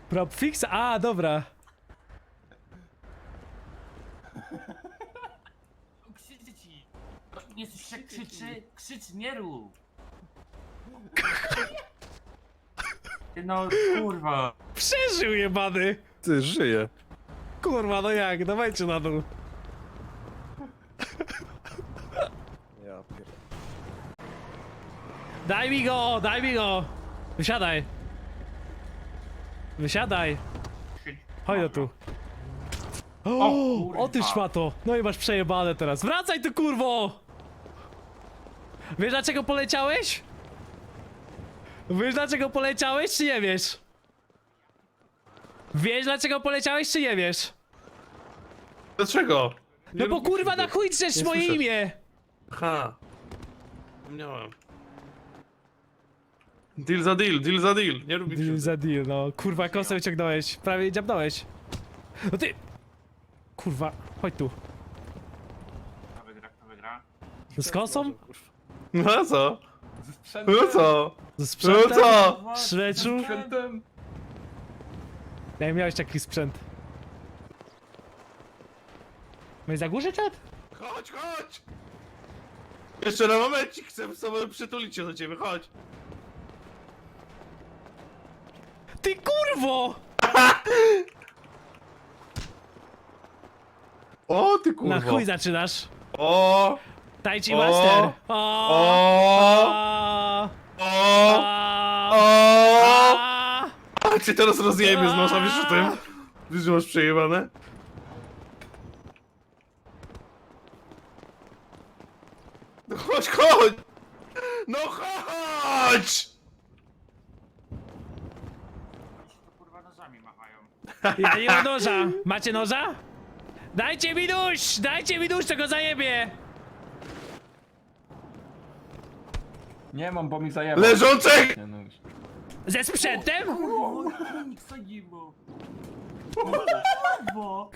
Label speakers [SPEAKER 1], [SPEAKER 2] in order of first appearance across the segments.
[SPEAKER 1] Prop fix? A, dobra.
[SPEAKER 2] Krzyczy ci! Nie słyszę, jak krzyczy? Krzycz, nie rób! Ty no, kurwa!
[SPEAKER 1] Przeżył jebany.
[SPEAKER 3] Ty, żyje.
[SPEAKER 1] Kurwa, no jak? Dawajcie na dół.
[SPEAKER 3] Ja pierdolę.
[SPEAKER 1] Daj mi go, daj mi go. Wysiadaj. Wysiadaj.
[SPEAKER 2] Krzycz.
[SPEAKER 1] Chodź do tu.
[SPEAKER 2] kurwa.
[SPEAKER 1] O ty szmato. No i masz przejebane teraz. Wracaj tu, kurwo! Wiesz dlaczego poleciałeś? Wiesz dlaczego poleciałeś, czy nie wiesz? Wiesz dlaczego poleciałeś, czy nie wiesz?
[SPEAKER 3] Dlaczego?
[SPEAKER 1] No bo kurwa na chuj drzesz
[SPEAKER 3] Nie
[SPEAKER 1] moje
[SPEAKER 3] słyszę.
[SPEAKER 1] imię!
[SPEAKER 3] Ha. Miałem. Deal za deal, deal za deal. Nie lubię
[SPEAKER 1] Deal
[SPEAKER 3] krzywdy.
[SPEAKER 1] za deal, no. Kurwa, kosę wyciągnąłeś. Prawie dziabnąłeś. No ty... Kurwa, chodź tu.
[SPEAKER 2] Kto wygra, kto wygra?
[SPEAKER 1] Z kosą?
[SPEAKER 3] No a co? No co?
[SPEAKER 1] Ze
[SPEAKER 3] No
[SPEAKER 1] sprzętem?
[SPEAKER 3] co?
[SPEAKER 1] Szreczu?
[SPEAKER 2] Sprzętem.
[SPEAKER 1] Jak miałeś taki sprzęt? My zagłuszę czat?
[SPEAKER 3] Chodź, chodź! Jeszcze na momencik chcę sobie przytulić się do ciebie, chodź.
[SPEAKER 1] Ty kurwo!
[SPEAKER 3] O, ty
[SPEAKER 1] Na
[SPEAKER 3] kurwa.
[SPEAKER 1] chuj zaczynasz.
[SPEAKER 3] O,
[SPEAKER 1] Tai Chi
[SPEAKER 3] O!
[SPEAKER 1] Master. O!
[SPEAKER 3] o,
[SPEAKER 1] O!
[SPEAKER 3] o, o. A cię teraz rozjebie z nosa, wiesz o tym? Wiesz, że masz przejebane? No chodź, chodź! No chodź!
[SPEAKER 2] Oni się tu kurwa nożami machają.
[SPEAKER 1] Ja nie mam noża. Macie noża? Dajcie mi nóż! Dajcie mi nóż, to go zajebie!
[SPEAKER 4] Nie mam, bo mi zajęło.
[SPEAKER 3] Leżączek!
[SPEAKER 4] Nie, no już.
[SPEAKER 1] Ze sprzętem?
[SPEAKER 2] Kurwa, nikt zajebał. Kurwa!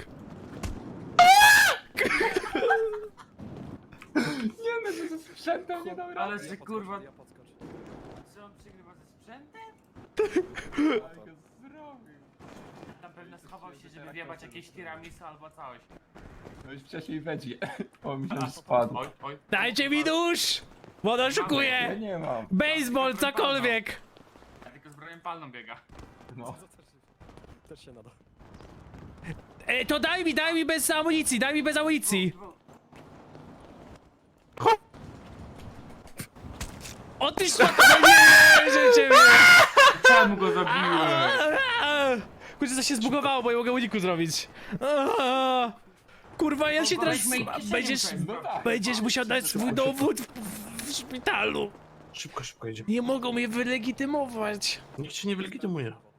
[SPEAKER 4] Nie no, że ze sprzętem nie dam rady.
[SPEAKER 2] Ale że kurwa... Czy on przegrywa ze sprzętem?
[SPEAKER 4] Ale go zrobił.
[SPEAKER 2] Tam pewnie schował się, żeby wjebać jakieś tiramisu albo coś.
[SPEAKER 4] No już wcześniej będzie. Bo mi się już spadł.
[SPEAKER 2] Oj, oj.
[SPEAKER 1] Dajcie mi nóż! Bo on
[SPEAKER 4] Ja
[SPEAKER 1] oszukuje!
[SPEAKER 4] nie mam.
[SPEAKER 1] Baseball, cokolwiek!
[SPEAKER 2] Ja tylko z brojem palną biega.
[SPEAKER 4] No.
[SPEAKER 3] Też się nada.
[SPEAKER 1] To daj mi bez amunicji, daj mi bez amunicji! O ty szmato, no nie, że ciebie!
[SPEAKER 2] Czemu go zabiłem?
[SPEAKER 1] Kurczę, co się zbugowało, bo nie mogę uniku zrobić. Kurwa, ja się teraz... Będziesz musiał dać swój dowód w szpitalu.
[SPEAKER 3] Szybko, szybko jedziemy.
[SPEAKER 1] Nie mogą mnie wylegitymować.
[SPEAKER 3] Nikt cię nie wylegitymuje.